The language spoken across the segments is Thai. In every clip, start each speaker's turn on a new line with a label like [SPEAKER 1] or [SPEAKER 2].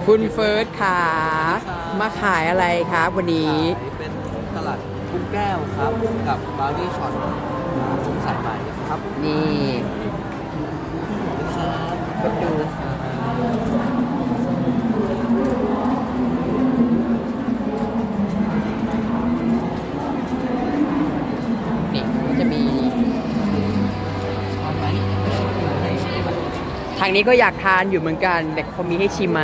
[SPEAKER 1] คุณเฟิร์สขามาขายอะไรครับวันนี้
[SPEAKER 2] ขายเป็นสลัดกุ้งแก้วครับกับบราวนี่ช็อตกุ้งสายใหม่ครับ
[SPEAKER 1] นี่
[SPEAKER 2] ครับ
[SPEAKER 1] ก็ดูนี่ก็จะมีทางนี้ก็อยากทานอยู่เหมือนกันแต่เขามีให้ชิมไหม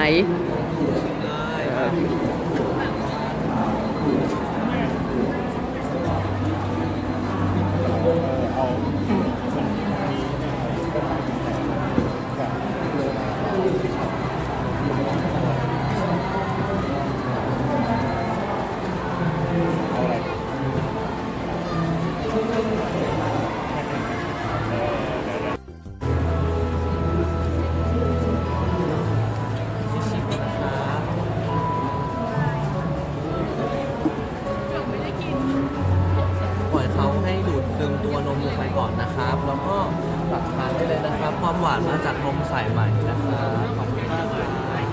[SPEAKER 2] ปล่อยเขาให้ดูดซึมตัวนมลงไปก่อนนะครับ แล้วก็ตักทานได้เลยนะครับ ความหวานมาจากนมสายใหม่นะครับขอบคุณมากเลย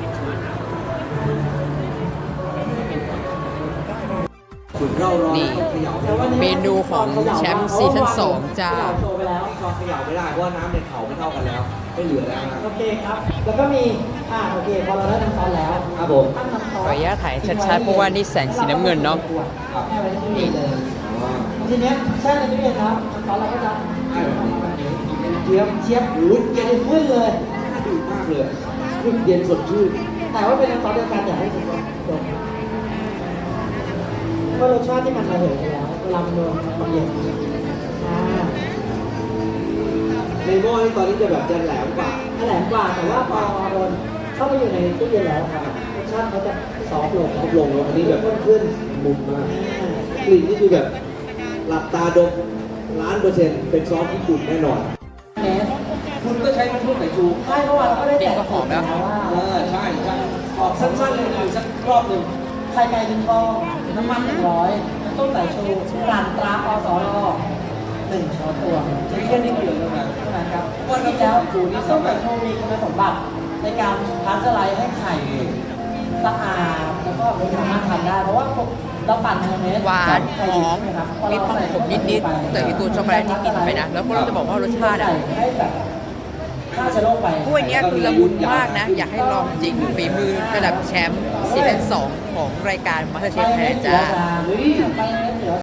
[SPEAKER 2] สุดเร่าร้อน
[SPEAKER 1] นี่
[SPEAKER 2] เขย่า
[SPEAKER 1] เมนูของแชมป์ซีซั่น2จ้า
[SPEAKER 3] โชว์ไปแล้ว
[SPEAKER 2] ก็เขย่าไม่ได้เพราะว่าน้ำในเขาไม่เท่ากันแล้ว ไม่เหลือแล้วนะ
[SPEAKER 3] โอเคครับ แล้วก็มีโอเคพอเราได้น้ำซอสแล้ว
[SPEAKER 2] ครับผม
[SPEAKER 3] ตั้งน้ำซอส
[SPEAKER 1] ขออนุญาตถ่ายชัดๆเพราะว่านี่แสงสีน้ำเงินเนาะ
[SPEAKER 3] แช่ไว้ที่นี่เลยทีเนี้ยแช่ในตู้เย็นครับน้ำซอสเราก็จะเจี๊ยบเจี๊ยบหูเย็นขึ้นเลย
[SPEAKER 2] ดีมากเลยเย็นสดชื่น
[SPEAKER 3] แต่ว่าเป็นน้ำซอสเดียวกันอย่าให้คุณจบเพราะรสชาติที่มันระเหยไปแล้วเวลามันโดนมันเย็น
[SPEAKER 2] ในหม้อนี่ตอนนี้จะแบบจะแหลมกว่า
[SPEAKER 3] แหลมกว่าแต่ว่าพอโดนเข้าไปอยู่ในตู้เย็นแล้วครับรสชาติเขาจะซอฟต์ลง
[SPEAKER 2] ลดลงแล้วอันนี้แบบ
[SPEAKER 3] ข้นขึ้น
[SPEAKER 2] มุมมากกลิ่นนี่คือแบบหลับตาดม1,000,000%เป็นซอสญี่ปุ่นแน่นอน
[SPEAKER 3] เนส
[SPEAKER 2] คุณก็ใช้น้ำผึ้งไก่ชู
[SPEAKER 3] ใช่เมื่อวานเราก็ได้แจก
[SPEAKER 1] ก็หอมแล้ว
[SPEAKER 3] ว่า
[SPEAKER 2] ใช่ใช่ออกสั้นๆเลยคือสักรอบหนึ่ง
[SPEAKER 3] ไข่ไก่1 ฟองน้ำมัน100น้ำต้มสายชูร้านตราอสร1 ช้อนตวง
[SPEAKER 2] ใช้แค่นี้เดียวเท่านั้น
[SPEAKER 3] เท่านั้นครับ
[SPEAKER 2] ว่าน้ำส้มสายชูนี่
[SPEAKER 3] น้ำส้มสายชูมีคุณสมบัติในการพาสเจอร์ไลซ์ให้ไข่สะอาดแล้วก็สามารถทานได้เพราะว่าเราปั่นมายองเนส
[SPEAKER 1] หวาน
[SPEAKER 3] ไข่
[SPEAKER 1] ห
[SPEAKER 3] ดิ
[SPEAKER 1] อบ ม
[SPEAKER 3] ใช่ไหครับ
[SPEAKER 1] มีความขมนิดๆแต่ไอตัวช็อกโกแลตนี่กินไปนะ แล้วก็เราจะบอกว่ารสชาติอ่ะ
[SPEAKER 3] ให้แบบฆ่าเชื้อโรคไป
[SPEAKER 1] กล้วยเนี้ยคือละมุนมากนะ อยากให้ลองจริงฝีมือระดับแชมป์ซีซั่น2ของรายการ MasterChef ไทยแลนด์จ้า
[SPEAKER 3] ไปเนื้อเสือ